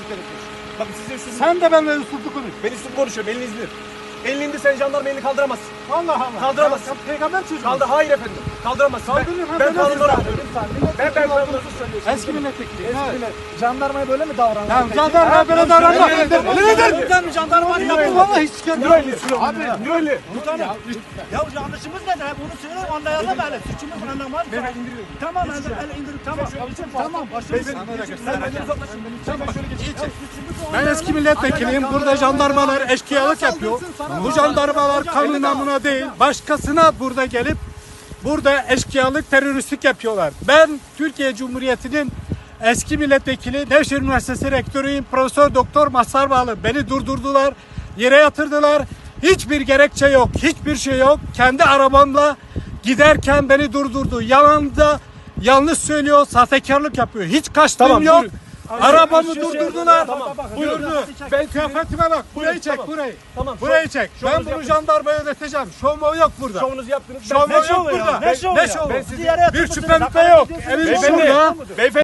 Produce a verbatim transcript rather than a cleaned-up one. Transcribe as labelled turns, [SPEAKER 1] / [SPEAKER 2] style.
[SPEAKER 1] gerekiyor.
[SPEAKER 2] Bakın size üstünüz.
[SPEAKER 1] Sen de benimle üsluplu konuş.
[SPEAKER 2] Ben üstün konuşuyorum. Elini indir. Elini indir, sen jandarma elini kaldıramazsın.
[SPEAKER 1] Allah Allah.
[SPEAKER 2] Kaldıramazsın.
[SPEAKER 1] Ya, peygamber çocuğu.
[SPEAKER 2] Kaldır. Hayır efendim. Kaldıramazsın.
[SPEAKER 1] Kaldırırım.
[SPEAKER 2] Ben, ben kanunları alıyorum. Ben ben kanunları
[SPEAKER 1] Eski milletvekili.
[SPEAKER 3] Eski millet. Jandarmaya böyle mi davranıyor?
[SPEAKER 1] Ya jandarma böyle davranmak.
[SPEAKER 2] Öyle der.
[SPEAKER 1] Öyle der.
[SPEAKER 3] Buradan jandarma
[SPEAKER 1] Yaptım ama hiç gelmiyor.
[SPEAKER 2] Abi niye öyle?
[SPEAKER 3] Ya yanlışımız nedir? Hep onu söyle, anlayalım hele. Suçumuz anlamaz.
[SPEAKER 2] Ben indiriyorum.
[SPEAKER 3] Tamam, el, el indir, tamam. Tamam, başımız.
[SPEAKER 2] Sen benden uzaklaşın. Sen ben şöyle geçeyim.
[SPEAKER 1] Ben eski milletvekiliyim. Burada jandarmalar eşkıyalık yapıyor. Bu jandarmalar kanun namına değil, başkasına burada gelip burada eşkıyalık, teröristlik yapıyorlar. Ben Türkiye Cumhuriyeti'nin eski milletvekili, Nevşehir Üniversitesi rektörüyüm. Profesör Doktor Mazhar Bağlı. Beni durdurdular, yere yatırdılar. Hiçbir gerekçe yok, hiçbir şey yok. Kendi arabamla giderken beni durdurdu. Yanında yanlış söylüyor, sahtekarlık yapıyor. Hiç kaçtığım
[SPEAKER 2] Tamam,
[SPEAKER 1] yok.
[SPEAKER 2] buyurun.
[SPEAKER 1] Arabamı durdurdular.
[SPEAKER 2] Tamam,
[SPEAKER 1] Buyurun. Ben kıyafetime bak. Burayı çek,
[SPEAKER 2] tamam.
[SPEAKER 1] burayı.
[SPEAKER 2] Tamam.
[SPEAKER 1] Burayı çek. Ben
[SPEAKER 2] şovunuzu
[SPEAKER 1] bunu
[SPEAKER 2] yaptınız.
[SPEAKER 1] jandarmaya ödeteceğim. Şov yok burada.
[SPEAKER 2] Şovunuzu yaptınız.
[SPEAKER 1] Şov
[SPEAKER 2] Ben-
[SPEAKER 1] yok burada.
[SPEAKER 3] Ne şovu
[SPEAKER 1] Ne
[SPEAKER 3] ya?
[SPEAKER 1] şovu?
[SPEAKER 2] Ben sizi-
[SPEAKER 3] Yere
[SPEAKER 1] Bir
[SPEAKER 3] yatırmışsınız,
[SPEAKER 1] şüphem de
[SPEAKER 3] hakaret
[SPEAKER 1] yok.
[SPEAKER 3] ediyorsunuz.
[SPEAKER 1] Elim
[SPEAKER 2] Beyefendi,
[SPEAKER 1] şurada.
[SPEAKER 2] beyefendi.